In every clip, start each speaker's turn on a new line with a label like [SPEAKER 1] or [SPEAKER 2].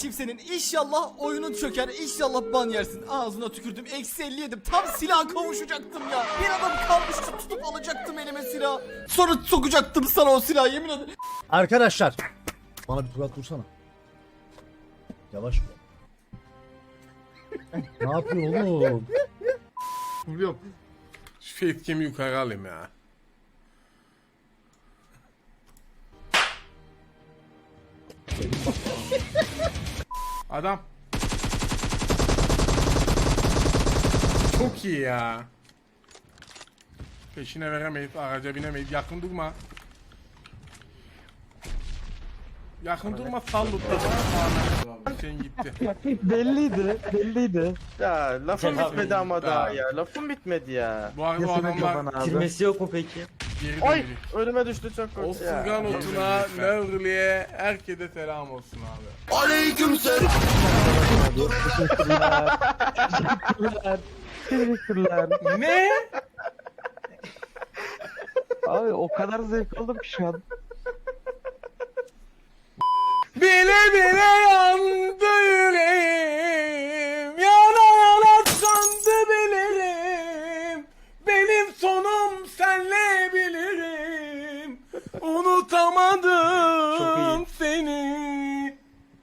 [SPEAKER 1] geçeyim senin. İnşallah oyunun çöker. İnşallah ban yersin. Ağzına tükürdüm. Eksi 50 yedim. Tam silah kavuşacaktım ya. Bir adam kalmıştı, tutup alacaktım elime silah. Sonra sokacaktım sana o silahı, yemin ederim.
[SPEAKER 2] Arkadaşlar. Bana bir turat vursana. Yavaş vur. Ne yapıyor oğlum?
[SPEAKER 3] Vuruyorum. Şu facecam'i yukarı alayım ya. Adam. Çok iyi ya. Peşine veremeyiz, araca binemeyiz. Yakın durma. Yakın durma, sal lütfen. Sen gitti.
[SPEAKER 4] Belliydi.
[SPEAKER 5] Ya lafım bitmedi ama
[SPEAKER 3] Daha.
[SPEAKER 5] daha ya. Lafım bitmedi ya.
[SPEAKER 3] Bu adamlar
[SPEAKER 4] Girmesi yok mu peki?
[SPEAKER 3] geri
[SPEAKER 5] Ay
[SPEAKER 3] dönecek.
[SPEAKER 5] önüme düştü çok
[SPEAKER 3] O
[SPEAKER 5] kötü ya.
[SPEAKER 3] Furkan Otun'a, Nevrili'ye, herkese selam olsun abi.
[SPEAKER 4] Teşekkürler.
[SPEAKER 3] Ne?
[SPEAKER 4] Abi o kadar zevk aldım ki şu an.
[SPEAKER 3] Bile bile yandı yüreğim, yana yana sandı bilirim. Benim sonum senle bilirim. Unutamadım seni.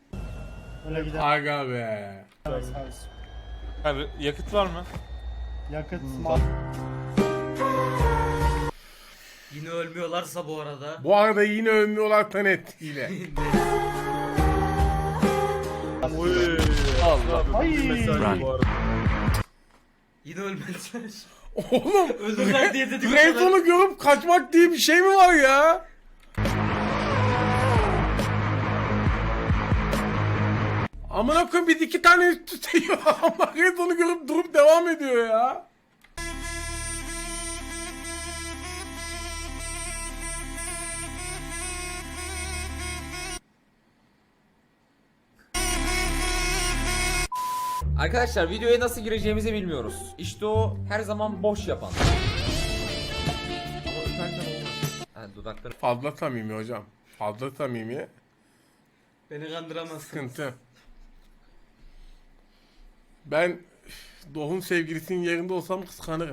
[SPEAKER 3] Aga be.
[SPEAKER 6] Abi yakıt var mı?
[SPEAKER 7] Yine ölmüyorlarsa bu arada.
[SPEAKER 3] Bu arada yine ölmüyorlar Tanet ile.
[SPEAKER 6] Allah.
[SPEAKER 7] Yine ölmezler.
[SPEAKER 3] Oğlum
[SPEAKER 7] Ölürler diye dedik.
[SPEAKER 3] Grayzone'u görüp kaçmak diye bir şey mi var ya? Amına koyayım, biz iki tane üst üste yiyor. Ama Grayzone'u görüp durup devam ediyor ya.
[SPEAKER 8] Arkadaşlar videoya nasıl gireceğimizi bilmiyoruz. İşte o her zaman boş yapan. Ama öperken olmaz. Yani dudakları...
[SPEAKER 3] Fazla samimi hocam. Fazla samimi.
[SPEAKER 7] Beni kandıramazsın.
[SPEAKER 3] Sıkıntı. Ben Doğu'nun sevgilisinin yerinde olsam kıskanırım.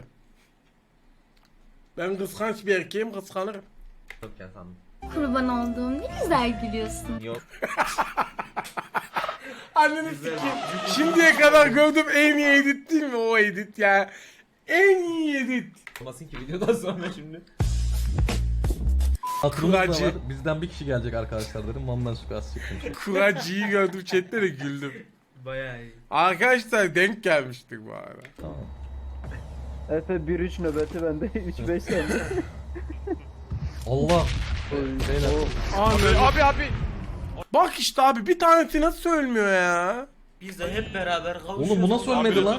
[SPEAKER 3] Ben kıskanç bir erkeğim, kıskanırım.
[SPEAKER 8] Yok ya sandım.
[SPEAKER 9] Kurban olduğum ne güzel gülüyorsun.
[SPEAKER 8] Yok.
[SPEAKER 3] Anneni sikeyim. Şimdiye kadar gördüğüm en iyi edit değil mi o edit ya? En iyi edit.
[SPEAKER 8] Olmasın ki videodan sonra şimdi.
[SPEAKER 3] Kuracı.
[SPEAKER 10] Bizden bir kişi gelecek arkadaşlar dedim. Mamdan sukas çıkmış.
[SPEAKER 3] Kuracı'yı gördüm chatte de güldüm.
[SPEAKER 7] Bayağı iyi.
[SPEAKER 3] Arkadaşlar denk gelmiştik bu arada.
[SPEAKER 10] Tamam.
[SPEAKER 4] Efe 1-3 nöbeti bende 3-5 sende.
[SPEAKER 10] Allah.
[SPEAKER 3] Abi. Bak işte abi, bir tanesi nasıl ölmüyor ya?
[SPEAKER 7] Biz de hep beraber kavuşuyoruz.
[SPEAKER 10] Oğlum bu nasıl ölmedi lan?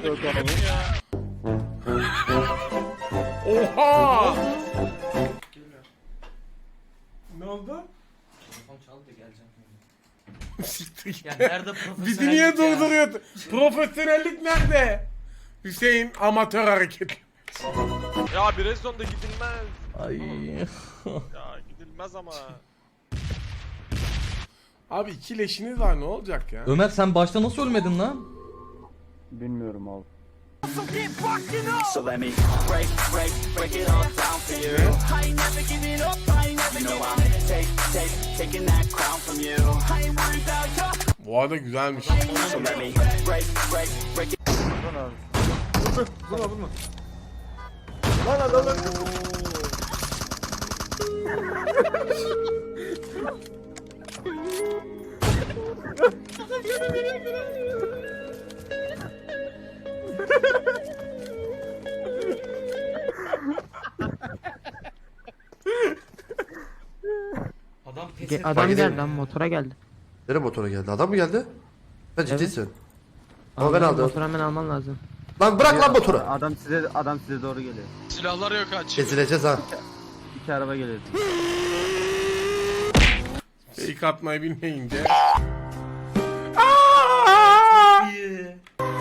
[SPEAKER 3] Oha! Ne oldu?
[SPEAKER 7] Telefon çaldı da geleceğim.
[SPEAKER 3] Siktir git.
[SPEAKER 7] Ya nerede profesyonellik
[SPEAKER 3] Bizi niye
[SPEAKER 7] ya?
[SPEAKER 3] durduruyor? Profesyonellik nerede? Hüseyin amatör hareket.
[SPEAKER 6] Ya bir rezonda gidilmez.
[SPEAKER 10] Ay.
[SPEAKER 6] Ya gidilmez ama.
[SPEAKER 3] Abi iki leşiniz var, ne olacak ya?
[SPEAKER 10] Ömer sen başta nasıl ölmedin lan?
[SPEAKER 4] Bilmiyorum abi.
[SPEAKER 11] So let me break it all down for you. I ain't never giving up, I ain't never giving up. Taking that crown from you. I ain't worried about your.
[SPEAKER 3] Bu arada güzelmiş.
[SPEAKER 11] So let me break it.
[SPEAKER 5] Vurma. Lan adamın.
[SPEAKER 7] Adam pes etti.
[SPEAKER 4] Adam geldi lan motora geldi.
[SPEAKER 5] Nereye motora geldi? Adam mı geldi? Ben ciddisin. Ama ben aldım.
[SPEAKER 4] Motoru hemen alman lazım.
[SPEAKER 5] Lan bırak lan motoru.
[SPEAKER 4] Adam size doğru geliyor.
[SPEAKER 6] Silahlar yok aç.
[SPEAKER 5] Ezileceğiz ha.
[SPEAKER 4] 2 araba geliyor.
[SPEAKER 3] Fake atmayı bilmeyince.
[SPEAKER 7] İyi.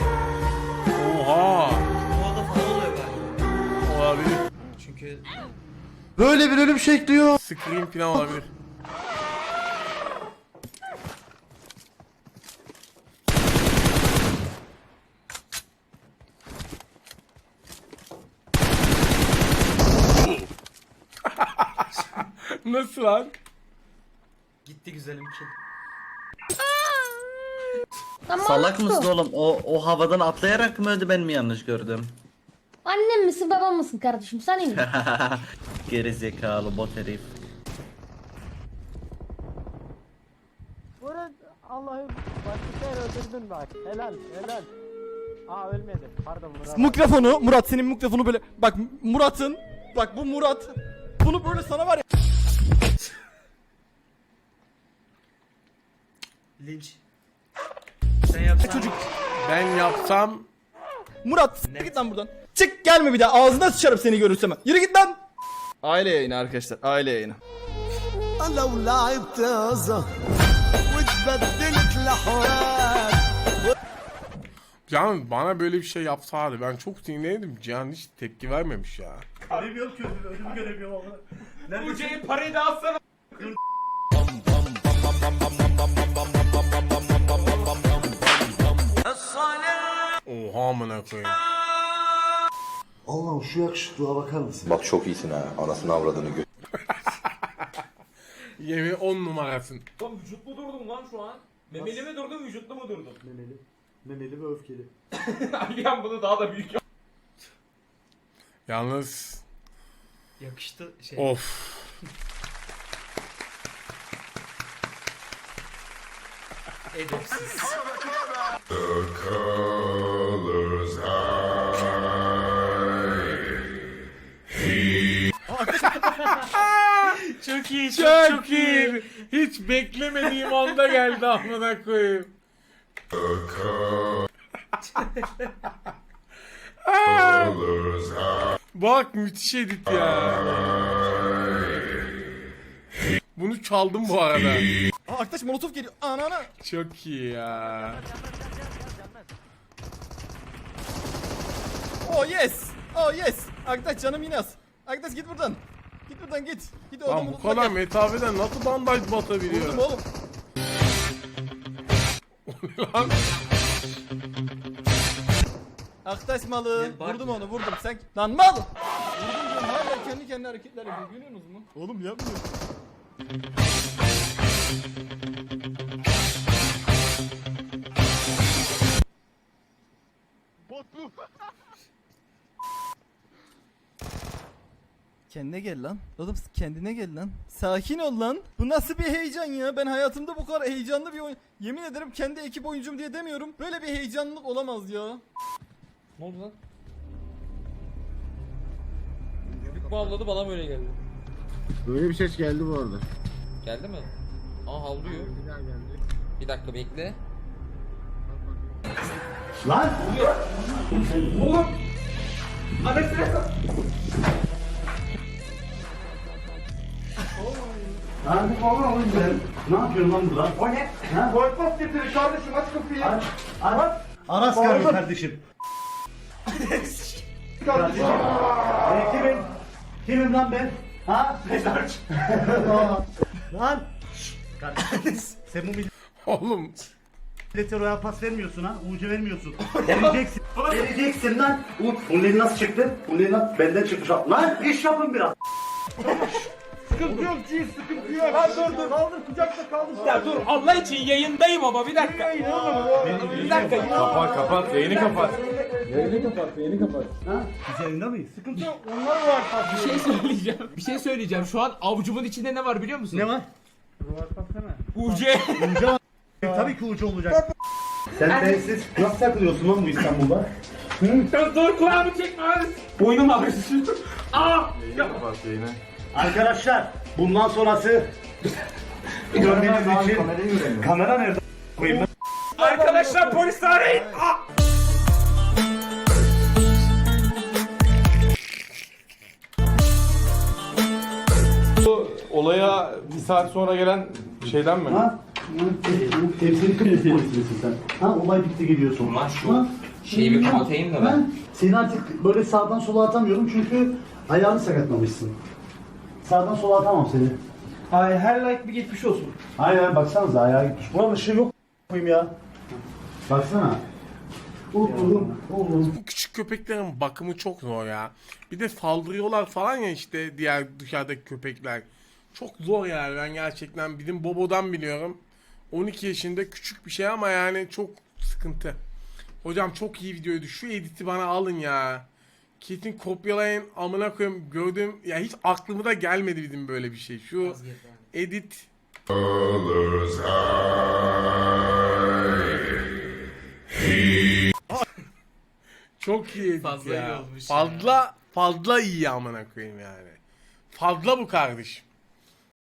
[SPEAKER 3] Oha!
[SPEAKER 7] Bu arada falan oluyor galiba.
[SPEAKER 3] Olabilir.
[SPEAKER 7] Çünkü
[SPEAKER 5] Böyle bir ölüm şekli yok.
[SPEAKER 3] Scream falan olabilir. Nasıl lan?
[SPEAKER 7] Gitti güzelim ki.
[SPEAKER 11] Salak mısın oğlum? O havadan atlayarak mı öldü, ben mi yanlış gördüm?
[SPEAKER 9] Annem misin babam mısın kardeşim sen iyi misin?
[SPEAKER 11] Geri zekalı bot herif.
[SPEAKER 4] Allah'ım başka öldürdün bak. Helal helal. Aa ölmedi. Pardon Murat.
[SPEAKER 1] Mikrofonu Murat senin mikrofonu böyle bak Murat'ın bak bu Murat bunu böyle sana var ya.
[SPEAKER 7] Linç. Sen yapsan.
[SPEAKER 1] Çocuk
[SPEAKER 3] Ben yapsam
[SPEAKER 1] Murat siktir git lan buradan. Çık gelme bir daha ağzına sıçarım seni görürsem. Yürü git lan. Aile yayını arkadaşlar aile yayını.
[SPEAKER 3] Can bana böyle bir şey yapsaydı ben çok sinirlendim. Cihan hiç tepki vermemiş ya.
[SPEAKER 8] Uce'yi parayı da alsana.
[SPEAKER 3] Oha amına koyayım.
[SPEAKER 2] Allah'ım şu yakışıklığa bakar mısın?
[SPEAKER 5] Bak çok iyisin ha. Anasını avradını gö...
[SPEAKER 3] Yemin 10 numarasın.
[SPEAKER 8] Oğlum vücutlu durdum lan şu an. Memeli mi durdum vücutlu mu durdum?
[SPEAKER 2] Memeli. Memeli ve öfkeli.
[SPEAKER 8] Alihan bunu daha da büyük.
[SPEAKER 3] Yalnız
[SPEAKER 7] Yakıştı şey.
[SPEAKER 3] of.
[SPEAKER 7] Edepsiz. Çok iyi,
[SPEAKER 3] Çok iyi. Hiç beklemediğim anda geldi amına koyayım. Bak müthiş edit ya. Bunu çaldım bu arada.
[SPEAKER 1] Aa, arkadaş molotof geliyor. Anana.
[SPEAKER 3] Çok iyi ya.
[SPEAKER 1] Oh yes. Oh yes. Arkadaş canım yine az. Arkadaş git buradan. Git buradan git. Git oğlum.
[SPEAKER 3] Lan bu
[SPEAKER 1] unutma
[SPEAKER 3] kadar
[SPEAKER 1] gel.
[SPEAKER 3] mesafeden nasıl bandaj batabiliyor?
[SPEAKER 1] Vurdum oğlum.
[SPEAKER 3] Lan
[SPEAKER 1] Arkadaş malı.
[SPEAKER 7] Ne bak
[SPEAKER 1] Vurdum
[SPEAKER 7] ya.
[SPEAKER 1] onu vurdum. Sen lan mal. Vurdum diyorum hala kendi kendine hareketler yapıyor. Görüyorsunuz mu? Oğlum yapmıyor. Kendine gel lan. Oğlum kendine gel lan. Sakin ol lan. Bu nasıl bir heyecan ya? Ben hayatımda bu kadar heyecanlı bir oyun... Yemin ederim kendi ekip oyuncum diye demiyorum. Böyle bir heyecanlılık olamaz ya.
[SPEAKER 8] Ne oldu lan? Bu avladı bana böyle geldi.
[SPEAKER 2] Böyle bir ses geldi bu arada.
[SPEAKER 8] Geldi mi? Aa havlıyor.
[SPEAKER 2] Bir daha geldi.
[SPEAKER 8] Bir dakika bekle.
[SPEAKER 2] Lan! Lan oğlum ne yapıyorsun lan burada? O ne? Ha? Boykot getirin kardeşim aç kapıyı. Aç. Aras kardeşim. Kardeşim. Kimim? Kimim lan ben? Ha? Mezarcı. Lan. Kardeşim. Sen bu
[SPEAKER 3] oğlum
[SPEAKER 2] millete royal pas vermiyorsun ha? UC vermiyorsun. Vereceksin. Vereceksin lan. Bunları nasıl çıktı? Bunları nasıl? Benden çıkmış. Lan iş yapın biraz. Sıkıntı yok Ciz, sıkıntı yok. Ha dur kaldır kucakta kaldır.
[SPEAKER 8] Ya dur Allah için yayındayım ama bir dakika. Bir dakika.
[SPEAKER 6] Kapat yayını kapat.
[SPEAKER 2] Ha? Biz yayında mıyız? Sıkıntı yok. Onlar var.
[SPEAKER 8] Bir şey söyleyeceğim. Şu an avucumun içinde ne var biliyor musun?
[SPEAKER 2] Ne var?
[SPEAKER 8] UC.
[SPEAKER 2] Tabii ki ucu olacak. Sen bensiz nasıl takılıyorsun lan bu İstanbul'da?
[SPEAKER 8] Dur kulağımı çekme abi. Boynum ağrıyor. Aa!
[SPEAKER 2] Arkadaşlar bundan sonrası görmeniz için kamera nerede koyayım ben?
[SPEAKER 8] Arkadaşlar polis arayın. Aa!
[SPEAKER 6] Olaya bir saat sonra gelen şeyden mi?
[SPEAKER 2] Ha? Temsili kırmızı polisisin sen. Ha olay bitti gidiyorsun.
[SPEAKER 8] Ulan şu şeyi bir kapatayım da ben.
[SPEAKER 2] Seni artık böyle sağdan sola atamıyorum çünkü ayağını sakatlamışsın. Sağdan sola atamam seni.
[SPEAKER 4] Ay her like bir geçmiş olsun.
[SPEAKER 2] Hayır baksanıza ayağı gitmiş. Buranın ışığı yok koyayım ya. Baksana. Oğlum.
[SPEAKER 3] bu küçük köpeklerin bakımı çok zor ya. Bir de saldırıyorlar falan ya işte diğer dışarıdaki köpekler. Çok zor yani, ben gerçekten bizim Bobo'dan biliyorum. 12 yaşında küçük bir şey ama yani çok sıkıntı. Hocam çok iyi videoydu. Şu editi bana alın ya. Kesin kopyalayın amına koyayım. Gördüm ya, hiç aklıma da gelmedi bizim böyle bir şey. Şu edit. Çok iyi edit
[SPEAKER 7] Fazla
[SPEAKER 3] ya.
[SPEAKER 7] iyi olmuş ya.
[SPEAKER 3] Fazla iyi amına koyayım yani. Fazla bu kardeşim.